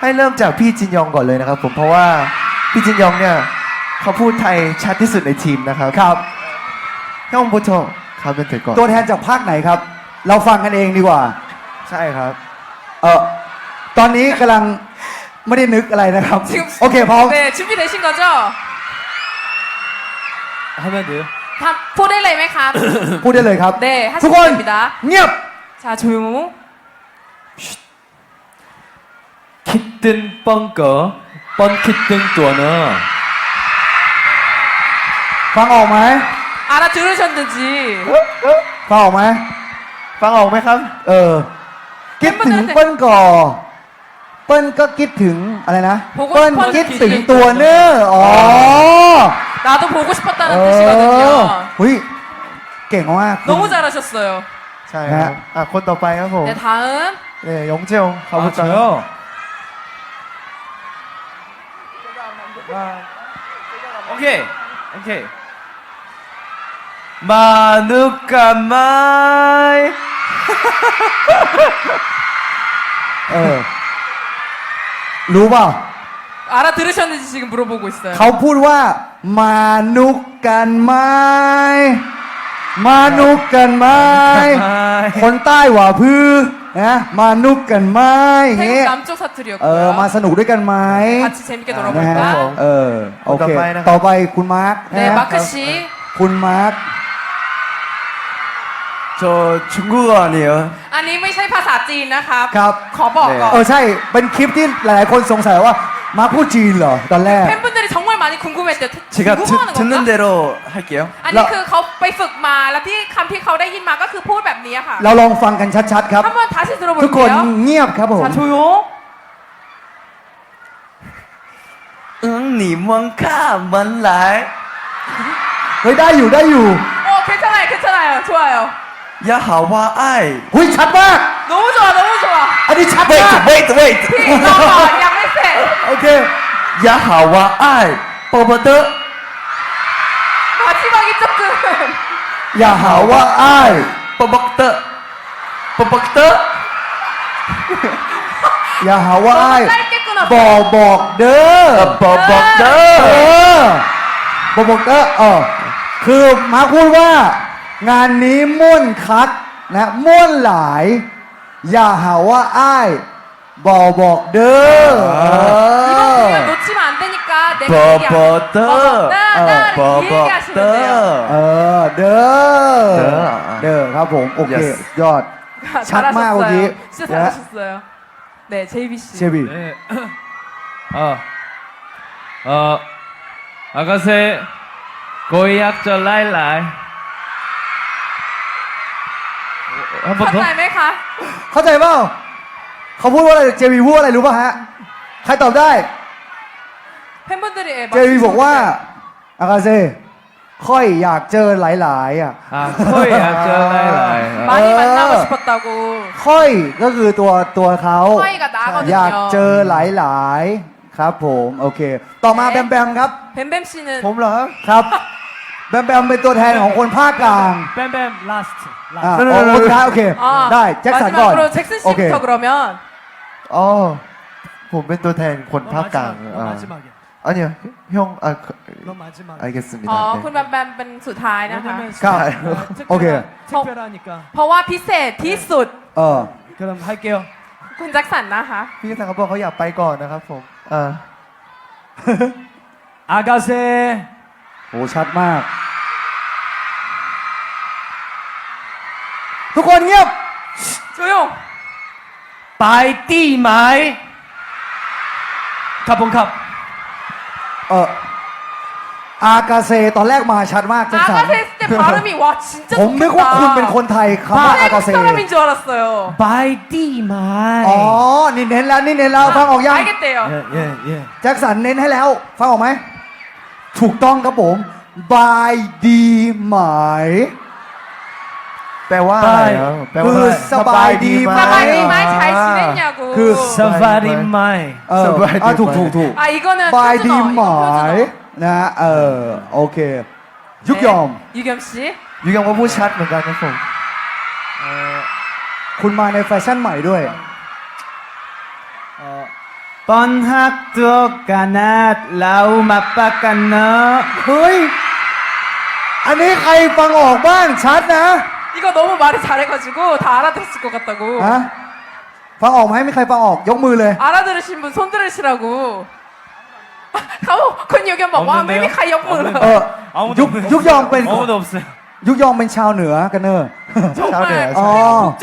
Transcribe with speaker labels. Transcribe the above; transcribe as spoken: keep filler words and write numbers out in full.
Speaker 1: ให้เริ่มจากพี่จินยองก่อนเลยนะครับผมเพราะว่าพี่จินยองเนี่ยเขาพูดไทยชัดที่สุดในทีมนะครับครับย่องบุโตครับเป็นถือก่อน
Speaker 2: ตัวแทนจากภาคไหนครับเราฟังกันเองดีกว่า
Speaker 1: ใช่ครับ
Speaker 2: เออตอนนี้กำลังไม่ได้นึกอะไรนะครับโอเคพร้อม
Speaker 3: 네준비되신거죠
Speaker 4: 하면돼요
Speaker 3: 다พูดได้เลยไหมครับ
Speaker 2: พูดได้เลยครับทุกคนเงียบ
Speaker 3: 자조용
Speaker 4: 키뜬 뻥꺼 뻔키뜬 또너
Speaker 2: ฟังออกไหม
Speaker 3: 알아들으셨는지
Speaker 2: ฟังออกไหม
Speaker 1: ฟังออกไหมครับ
Speaker 2: เออคิดถึงเปิ้ลก่อเปิ้ลก็คิดถึงอะไรนะเปิ้ลคิดถึงตัวเนออ๋อ
Speaker 3: 나도 보고 싶었다는 뜻이거든요.
Speaker 2: หุ้ยเก่งมาก
Speaker 3: 너무 잘하셨어요.
Speaker 1: ใช่ครับอ่ะคนต่อไปครับผม
Speaker 3: 네 다음
Speaker 1: 네 영재용 가볼까요?
Speaker 4: 아, 오케이 오케이 마누까마이
Speaker 2: เออรู้เปล่า
Speaker 3: 알아들으셨는지 지금 물어보고 있어요.
Speaker 2: เขาพูดว่ามานุกกันไหมมานุกกันไหมคนใต้หว่าพื้นะมานุกกันไหมเงี้ย
Speaker 3: 태국 남쪽
Speaker 2: เออ
Speaker 3: 사투리였고요.
Speaker 2: มาสนุกด้วยกันไหม
Speaker 3: 같이 재밌게
Speaker 2: นะฮะ
Speaker 3: 놀아볼까?
Speaker 2: เออโอเค
Speaker 1: ต่อไปนะครับ
Speaker 2: ต่อไปคุณมาร์ค
Speaker 3: 네
Speaker 2: นะ
Speaker 3: 마크 씨.
Speaker 2: คุณมาร์ค
Speaker 1: 저 중국어 아니에요?
Speaker 3: 아니 ไม่ใช่ภาษาจีนนะครับ
Speaker 2: ครับ
Speaker 3: ขอบอกก่อน
Speaker 2: เออใช่เป็นคลิปที่หลายๆคนสงสัยว่ามาร์คพูดจีนเหรอตอนแรก
Speaker 3: 팬분들이 정말 많이 궁금했대요.
Speaker 1: 제가 드,
Speaker 3: 궁금하는
Speaker 1: 듣는
Speaker 3: 건가?
Speaker 1: 대로 할게요.
Speaker 3: อันนี้คือเขาไปฝึกมาแล้วที่คำที่เขาได้ยินมาก็คือพูดแบบนี้ค่ะ
Speaker 2: เราลองฟังกันชัดๆครับ
Speaker 3: 한번 다시
Speaker 2: ทุกคน
Speaker 3: 들어볼게요.
Speaker 2: เงียบครับผม
Speaker 3: 자 조용.
Speaker 1: 응, 니뭔가 뭔 날?
Speaker 2: เฮ้ยได้อยู่ได้อยู่
Speaker 3: 어 괜찮아요 괜찮아요 좋아요.
Speaker 1: 야 하와 아이.
Speaker 2: หุ้ยชัดมาก
Speaker 3: 너무 좋아 너무 좋아.
Speaker 2: อันนี้ชัดมาก
Speaker 1: Wait, wait, wait.
Speaker 3: พี่รอก่อนยังไม่เสร็จ
Speaker 2: โอเค
Speaker 1: 야 하와 아이. 뽀뽀드.
Speaker 3: 마지막이 조금
Speaker 2: อย่าหาว่าอ้าย
Speaker 1: 뽀뽀드. 뽀뽀드.
Speaker 2: อย่าหาว่าอ้าย
Speaker 3: 너무 짧게 끊었어.
Speaker 2: บอกบอกเด้อ
Speaker 1: 뽀뽀드.
Speaker 2: เออบอกบอกเด้อเออคือมาร์คพูดว่า งานนี้ม่วนคักนะม่วนหลาย อย่าหาว่าอ้ายบอกบอกเด้อเอ
Speaker 3: 이번
Speaker 2: อ
Speaker 3: 공연 놓치면 안 되니까 내가 얘기 안
Speaker 1: 뽀뽀드.
Speaker 3: 어, 얘기하시면 돼요.
Speaker 2: เออเด้อเด้อครับผมโอเค
Speaker 1: Yes
Speaker 2: ยอด ชัดมากเมื่อกี้
Speaker 3: 진짜 잘하셨어요. 네 제이비 씨.
Speaker 2: เชบี
Speaker 4: 네. 어, 어, 아가새 고이학절 라일라이 한 번 더?
Speaker 3: เข้าใจไหมคะ
Speaker 2: เข้าใจเปล่าเขาพูดว่าอะไรเจวีพูดอะไรรู้ป่ะฮะใครตอบได้
Speaker 3: 팬분들이 예,
Speaker 2: เจวีบอกว่าอากาเซ่ค่อยอยากเจอหลายๆอ่ะ
Speaker 4: 아, 고이학절 라일라이 어.
Speaker 3: 많이
Speaker 2: 어.
Speaker 3: 만나고 싶었다고.
Speaker 2: ค่อยก็คือตัวตัวเขา
Speaker 3: ค่อยกับน้าเขา
Speaker 2: อยากเจอหลายๆครับผมโอเค ต่อมาแบมแบมครับ
Speaker 3: 뱀뱀 씨는
Speaker 1: ผมเหรอครับ
Speaker 2: ครับแบมแบมเป็นตัวแทนของคนภาคกลาง
Speaker 4: 뱀뱀 라스트
Speaker 2: อ่า
Speaker 4: 라스트
Speaker 2: โอ้โหท้ายโอเค
Speaker 3: 아,
Speaker 2: ได้แจ็คสันก่อน
Speaker 3: 마지막으로 잭슨
Speaker 2: โอเค
Speaker 3: 씨부터 그러면
Speaker 1: อ๋อผมเป็นตัวแทนคนภาคกลาง
Speaker 4: 너
Speaker 1: อ่า
Speaker 4: 마지막이야
Speaker 1: 아니요 형 아, 그,
Speaker 4: 너 마지막
Speaker 1: 알겠습니다.
Speaker 3: อ๋อ
Speaker 1: 네.
Speaker 3: คุณแบมแบมเป็นสุดท้ายนะคะ
Speaker 4: 왜냐면
Speaker 2: ครับ
Speaker 4: 특별하-
Speaker 2: โอเค
Speaker 4: 특별하니까
Speaker 3: เพราะว่าพิเศษที่สุด
Speaker 2: เออ
Speaker 4: 그럼 할게요
Speaker 3: คุณแจ็คสันนะคะ
Speaker 1: พี่สังเขาบอกเขาอยากไปก่อนนะครับผมอ่า
Speaker 4: 아가새
Speaker 2: โหชัดมาก ทุกคนเงียบ
Speaker 3: 조용
Speaker 4: 바이띠마이 카본캅
Speaker 2: เอออากาเซตอนแรกมาชัดมากแจ็คสัน
Speaker 3: 아가새 했을 때 발음이 와 진짜
Speaker 2: ผมนึกว่าคุณเป็นคนไทยคำว่าอากา
Speaker 3: 태국
Speaker 2: เซ
Speaker 3: 사람인 줄 알았어요
Speaker 4: 바이띠마이
Speaker 2: อ๋อ นี่เน้นแล้วนี่เน้นแล้วฟังออกยัง
Speaker 3: 알겠대요
Speaker 4: 예예예
Speaker 2: แจ็คสันเน้นให้แล้ว ฟังออกไหม ถูกต้องครับผมบายดีไหม
Speaker 1: แปลว่าอะไรครับแปลว่า
Speaker 2: คือสบายดีไหม
Speaker 3: 사바이 마이 잘 지냈냐고
Speaker 2: 그
Speaker 4: 사파리마이
Speaker 2: เออ
Speaker 1: สบายดี
Speaker 2: อ่ะถูก
Speaker 1: ไหม
Speaker 2: ถูกถูก
Speaker 3: 아 이거는
Speaker 2: บายดี
Speaker 3: 표준어
Speaker 2: ไหม
Speaker 3: 이거 표준어
Speaker 2: นะฮะเออ โอเค ยุกยอม
Speaker 3: 네, 유겸 씨
Speaker 1: ยูยังว่าพูดชัดเหมือนกันนะผม
Speaker 2: คุณมาในแฟชั่นใหม่ด้วย
Speaker 4: 어, 번학도 가낫 라우 맛바까너
Speaker 2: เฮ้ย อันนี้ใครฟังออกบ้างชัดนะ
Speaker 3: 이거 너무 말을 잘해가지고 다 알아들었을 것 같다고.
Speaker 2: ฮะฟังออกไหมมีใครฟังออกยกมือเลย
Speaker 3: 알아들으신 분 손 들으시라고.เขาคุณยูแกบอกว่าไม่มีใครยกมือเลย
Speaker 2: เออ
Speaker 4: 아무도
Speaker 2: ยุก
Speaker 4: 없-
Speaker 2: ยุกยองเป็น
Speaker 4: 아무도 없어요.
Speaker 2: ยุกยองเป็นชาวเหนือกันเนอะ
Speaker 1: ชาวเหนือ
Speaker 2: อ๋อ